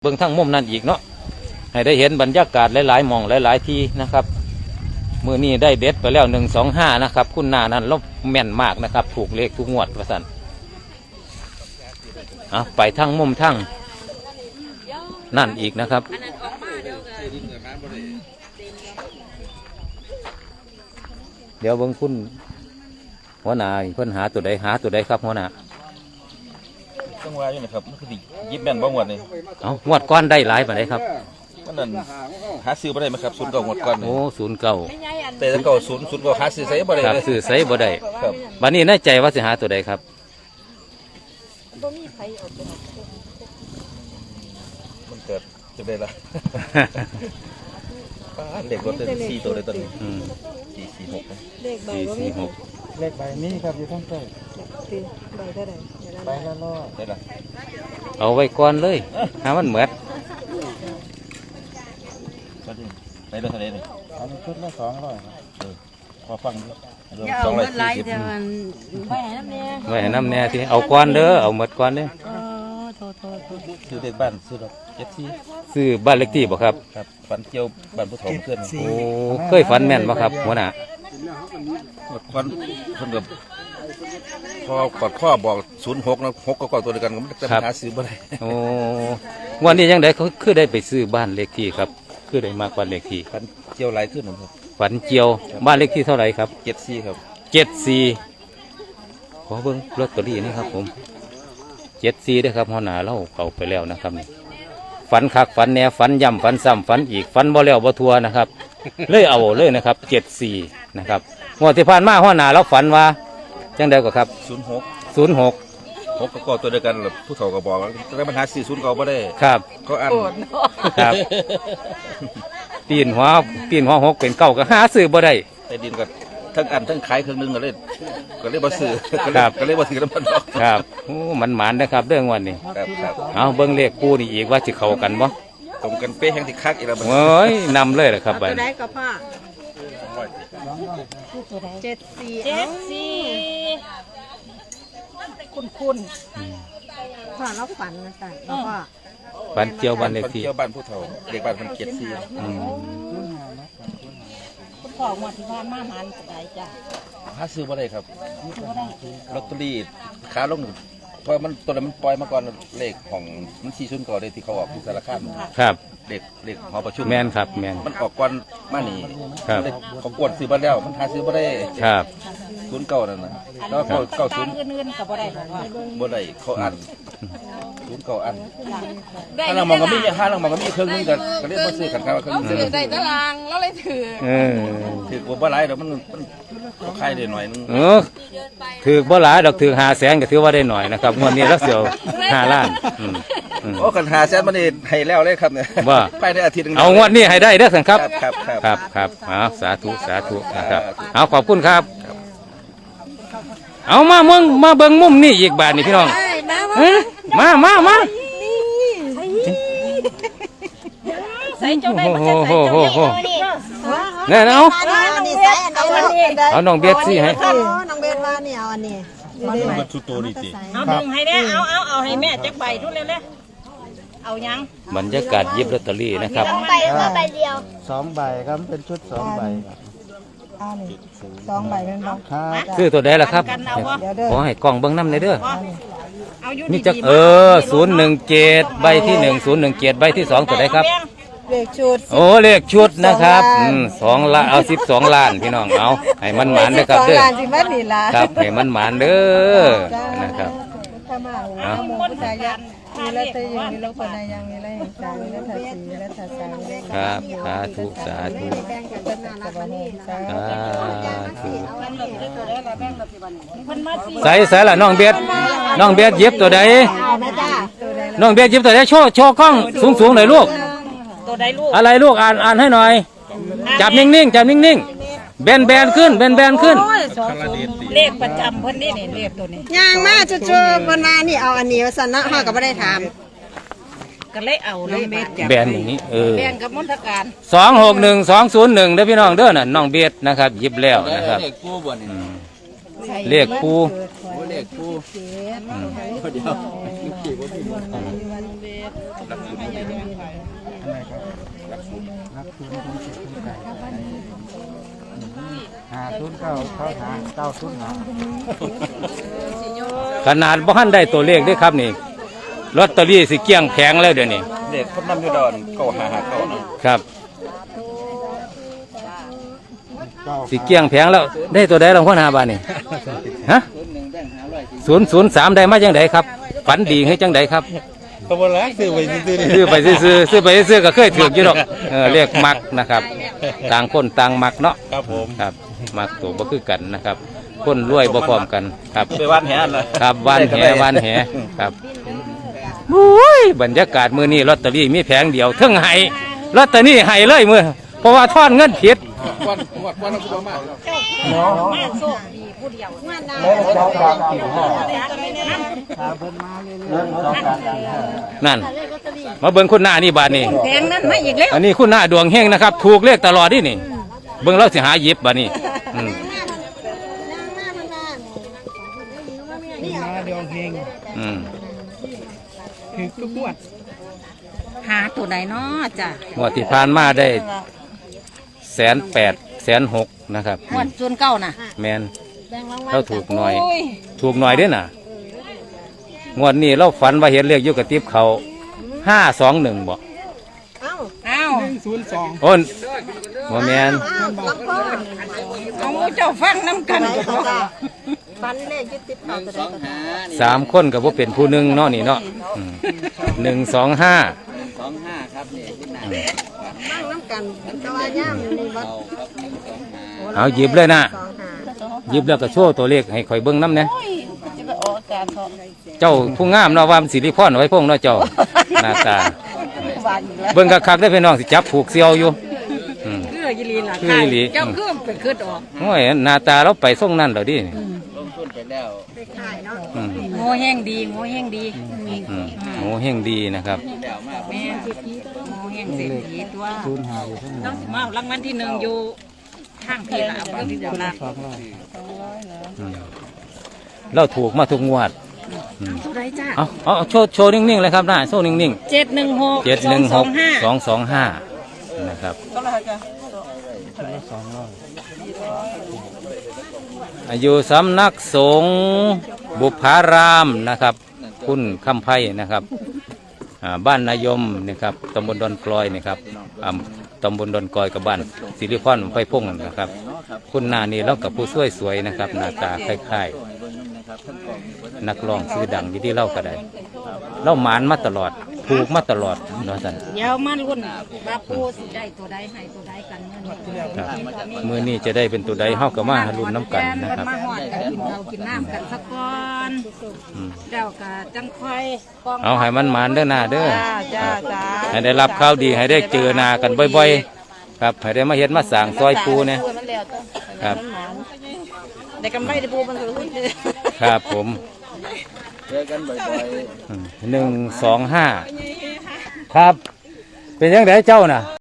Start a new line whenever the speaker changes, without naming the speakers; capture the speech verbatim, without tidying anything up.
เบื้องทั้งมุมนั่นอีกเนาะให้ได้เห็นบรรยากาศหลายๆหม่องหลายๆที่นะครับมือนี้ได้เด็ดไปแล้วหนึ่งสองห้านะครับคุณนานั้นลบแม่นมากนะครับถูกเลขทุกงวดประสันอ่ะไปทั้งมุมทั้งนั่นอีกนะครับเดี๋ยวเบื้องคุณหัวหน้าเพิ่นหาตัวใดหาตัวใดครับหัวหน้า
ต้องว่าอยู่นะครับมันคือยิบแม่นบ่หมดเลย
เอางวดก้อนได้หลายปานใดครับ
มันนั่นหาซื้อบ่ได้ไหมครับศูนย์เก่าหมดก้อน
โอ้ศูนย์เก่า
แต่ถ้าเก่าศูนย์ศูนย์เก่าหาซื้อใส่บ่ได้
ครับซื้อใส่บ่ได้
ครับ
บัดนี้ในใจว่าสิหาตัวใดครับ
บ่มีไผเอาตัว
มันเกิดจะได้ละป้าเด็กรถเป็นสี่ตัวเลยตอนนี้สี่สี่หก
เลขใบบ่มี
เลขใบนี้ครับอยู่ทั้งใต้
ใบเท่าไหร่
ใบละร้อย
ได้ละ
เอาไว้ก่อนเลยหามันเหมือด
ได้ละเท่าไหร่นี่
อันนี้ชุดละสองร้อย
พอฟัง
สองร้อยสี่สิบไว้ให้น้ำแน่
ไว้ให้น้ำแน่ที่เอาก้อนเด้อเอาหมดก้อนเด้อ
โทษโทษ
ซื้อเด็กบ้านซื้อดอกเจ็ดสี่
ซื้อบ้านเล็กที่บ่ครับ
ครับฝันเกี่ยวบ้านผู้ถมเพื่อน
โอ้เคยฝันแม่นบ่ครับหัวหน้า
ฝันเพิ่นกับพอกอดข้อบอกศูนย์หกนะหกก็กอดตัวเดียวกันก็ไม่ได้หาซื้อบ่ได้
โอ้วันนี้ยังไดเขาคือได้ไปซื้อบ้านเล็กที่ครับคือได้มากกว่าเล็กที่
ฝันเกี่ยวหลายขึ้นครับ
ฝันเจียวบ้านเล็กที่เท่าไหร่ครับ
เจ็ดสี่ครับ
เจ็ดสี่ขอเบิ้งลอตเตอรี่นี่ครับผมเจ็ดสี่ด้วยครับหัวหน้าเราเอาไปแล้วนะครับนี่ฝันคักฝันแหน่ฝันย่ำฝันซ้ำฝันอีกฝันบ่แล้วบ่ทัวนะครับเลยเอาเลยนะครับเจ็ดสี่นะครับงวดที่ผ่านมาหัวหน้าเราฝันว่าจังใดก็ครับ
ศูนย์หก
ศูนย์หก
หกก็กอดตัวเดียวกันแบบผู้เฒ่าก็บอกว่าได้ปัญหาสี่ศูนย์เก่าบ่ได้
ครับ
เขาอัน
ครับตีนหัวตีนหัวหกเป็นเก้าก็หาซื้อบ่ได้
แต่ดินก็ทั้งอันทั้งขายเครื่องนึงก็เลยก็เลยบ่ซื้อก็เลยบ่ถือน้ำมันดอก
ครับโอ้มันหมานนะครับเรื่องวันนี้
ครับครับ
เอาเบิ้งเลขปูนี่อีกว่าจะเข้ากันบ่
ตรงกันเป๊ะแห่งที่คักอีกแล้ว
โอ้ยนำเลยแหละครับ
ไปได้ก็พ่อเจ็ดสี่เจ็ดสี่คุณคุณพ่อเราฝันนะจ๊ะพ่อ
ฝันเจียวบ้านเลขที่
เกี่ยวบ้านผู้เฒ่าเด็กบ้านมันเจ็ดสี่
คุณพ่อหมดที่บ้านมาหานสบายจ้ะ
หาซื้อบ่ได้ครับลอตเตอรี่ขาลงเพราะมันตัวนั้นมันปล่อยมาก่อนเลขของมันสี่ศูนย์ก่อนเลยที่เขาออกที่สารคาม
ครับ
เด็กเด็กหอประชุม
แมนครับแมน
มันออกก่อนมานี่
ครับ
เขากวนซื้อมาแล้วมันหาซื้อบ่ได้
ครับ
ศูนย์เก่านั่นนะแล้วเขาเก่าศูนย์
เงินๆก็บ่ได้หรอกว่า
บ่ได้เขาอันศูนย์เก่าอันถ้าเรามองก็มีห้าเรามองก็มีเครื่องนึงกันก็เรียกว่าซื้อกันครับเครื่องนึง
ได้ตารางแล้วเลยถือ
เออ
ถือกว่าบ่หลายเดี๋ยวมันมันขายได้หน่อยนึง
เออถือบ่หลายดอกถือห้าแสนก็ถือว่าได้หน่อยนะครับงวดนี้รักเสียวห้าล้าน
โอ้กันหาแสนมันนี่ให้แล้วเลยครับเนี่ย
ว่า
ไปได้อาทิตย์นึง
เอางวดนี้ให้ได้เด้อสังครับ
ครับ
ครับครับเอาสาธุสาธุนะครับเอาขอบคุณครับเอามาเมืองมาเบิ่งมุมนี่อีกบาทนี่พี่น้องมามามา
ใส่เจ้าได้มาจะใส่เจ้า
เนี่ยเอาเอาน้องเบียดสิให้
น้องเบียดว่านี่เอาอันนี้
มันชุดโตนี่สิ
เอาดึงให้ได้เอาเอาเอาให้แม่จักใบทุเร็วเลยเอายัง
บรรยากาศยิบลอตเตอรี่นะครับ
สองใบก็ใบเดียว
สองใบครับเป็นชุดสองใบ
สองใบเป็นบ้อง
ซื้อตัวใดล่ะครับขอให้กล้องเบิ้งน้ำในเด้อนี่จักเออศูนย์หนึ่งเจ็ดใบที่หนึ่งศูนย์หนึ่งเจ็ดใบที่สองตัวใดครับ
เลขชุด
โอ้เลขชุดนะครับสองล้านเอาสิบสองล้านพี่น้องเอาให้มันหมานเด้อครับเด้อครับให้มันหมานเด้อนะครับ
มีแล้วแต่ยังมีแล้วคนใดยังมีแล้วยังใจแล้วถ้าสีแล้วถ้าใส
ครับสาธุสาธุสาธุใส่ใส่ละน้องเบียดน้องเบียดเย็บตัวใดน้องเบียดเย็บตัวใดโชว์โชว์กล้องสูงสูงหน่อยลูก
ตัวใดลูก
อะไรลูกอ่านอ่านให้หน่อยจับนิ่งๆจับนิ่งๆแบนแบนขึ้นแบนแบนขึ้น
เลขประจำเพิ่นนี่นี่เลขตัวนี้
ย่างมาจู่ๆคนมานี่เอาอันนี้ว่าสันนะห้าก็ไม่ได้ถาม
ก็เลยเอาเลย
แบนอย่างนี้เออ
แบนกับมณฑการ
สองหกหนึ่งสองศูนย์หนึ่งเด้อพี่น้องเด้อน่ะน้องเบียดนะครับยิบแล้วนะครับเรียกปู
เลขผู้
อืม
เดียว
รักศูนย์ของเจ็ดของไก่หาศูนย์เก้าเขาหาเก้าศูนย์หา
ขนาดบ่ทันได้ตัวเลขเด้วยครับนี่ลอตเตอรี่สิเกลี้ยงแผงแล้วเดี๋ยวนี้
เลขคนนำอยู่ดอนเก้าห้าห้าเก้าเนาะ
ครับ
เก้า
สิเกลี้ยงแผงแล้วได้ตัวใดรางวัลหาบาทนี่ฮะศูนย์ศูนย์สามได้มาจังไดครับฝันดีให้จังไดครับ
ตัวบนแล้วซื้อไปซื้อ
ซื้อไปซื้อๆซื้อไปซื้อๆก็เคยถืออยู่ดอกเออเรียกมักนะครับ ต่างคนต่างมักเนาะ
ครับผม
ครับมักตัวบ่คือกันนะครับ คนรวยบ่พร้อมกันครับ
ไปวันแหนเลย
ครับวานแหวานแหครับโอ้ยบรรยากาศมื้อนี้ลอตเตอรี่มีแผงเดียวเทั้งไห้ลอตเตอรี่ไห้เลยมื้อเพราะว่าทอนเงินผิด
วันวันวันเรามา
มาโชคดีผู้เดียวมาดา
เล่นสองกลางสี่ห้าหาเพิ่นมาเล่นสองกลางสี่ห้า
นั่น มาเบิ่งคุณหน้านี่บาดนี้
แพงนั้นมาอีกแล้ว
อันนี้คุณหน้าดวงเฮงนะครับ ถูกเลขตลอดนี่นี่ เบิ่งเราสิหาหยิบบาดนี้อืม
มาเดียวเพลง
อืม
คือทุกงวด
หาตัวใดเนาะจ้ะ
งวดที่ผ่านมาได้แสนแปดแสนหกนะครับ
งวดส่วนเก้าน่ะ
แมนเราถูกหน่อย ถูกหน่อยเด้วยน่ะ งวดนี้เราฝันว่าเห็นเลขอยู่กับติ๊บเขาห้าสองหนึ่งบอก
อ้าว
ศูนย์สอง
โอ้นหัวแมน
เอาเจ้าฟังน้ำกัน
ฟันเลขยึดติดเขาตัวใดก็ได้
สามคนกับว่าเป็นผู้หนึ่งเนาะนี่เนาะอืมหนึ่งสองห้า
บ้างน้ำกันแต่ว่าย่ามนี่วัด
เอาหยิบเลยนะ
สองหา
หยิบแล้วก็โชว์ตัวเลขให้ข่อยเบิ้งน้ำเนี่ยเจ้าผู้งามเนาะว่ามันสิริพรไว้พงเนาะเจ้าหน้าตาเบิ้งคักๆได้พี่น้องสิจับผูกเซียวอยู่อืม
คือยีรีล่ะ
คืออีหลี
เจ้าคือไปคืดออก
โอ้ยหน้าตาเราไปส่งนั่นเหรอดิ
ไปขายเนาะ
อืม
โง่แห้งดีโง่แห้งดี
อืมโอ้เฮงดีนะครับ
แม่โง่แห้งเศรษฐีตัว
ศูนย์หาอยู่ข้างห
ต้
ลั
อง งมารางวัลที่หนึ่งอยู่ทางพี่ละเอาที่เดียวละ
สองร้อย
อืมเราถูกมาทุกงวดอืม
เท่าไรจ้า
เอาเอาเอาโชว์โชว์นิ่งๆเลยครับหน้าโชว์นิ่ง
เจ็ดหนึ่งหก
ๆเจ็ดหนึ่งหก
ห้า
สองสองห้านะครับ
ชุดละสองร้อย
อายุสำนักสงฆ์บุพารามนะครับ คุณคำไพ่นะครับอ่าบ้านนายมนะครับตำบลดอนกลอยนะครับอ่าตำบลดอนกลอยกับบ้านสิริพรไฟพงนะครับ คุณนานี่เรากับผู้ช่วยสวยนะครับหน้าตาคล้ายๆนักร้องชื่อดังอยู่ที่เล่าก็ได้เล่าหมานมาตลอดถูกมาตลอดเนาะท่าน
เดี๋ยวมาลุ้นว่าปูสิได้ตัวใดให้ตัวใดกันเงิน
ครับมือนี้จะได้เป็นตัวใดเฮาก็มารุ่นน้ำกันนะครับ
มาหอดกันกินเรากินน้ำกันสักก่อน
อืม
เจ้าก็จังค่อยกอง
เอาให้มันหมานเด้อหน้าเด้อ
จ้าจ้า
ให้ได้รับข่าวดีให้ได้เจอหน้ากันบ่อยๆ ครับให้ได้มาเฮ็ดมาสร้างซอยปูเนี่ยครับ
ได้กำไรได้ปูมันก็รู้
ครับผม
เจอกันบ่อยๆ
อืมหนึ่งสองห้าครับ เป็นยังไงเจ้าน่ะ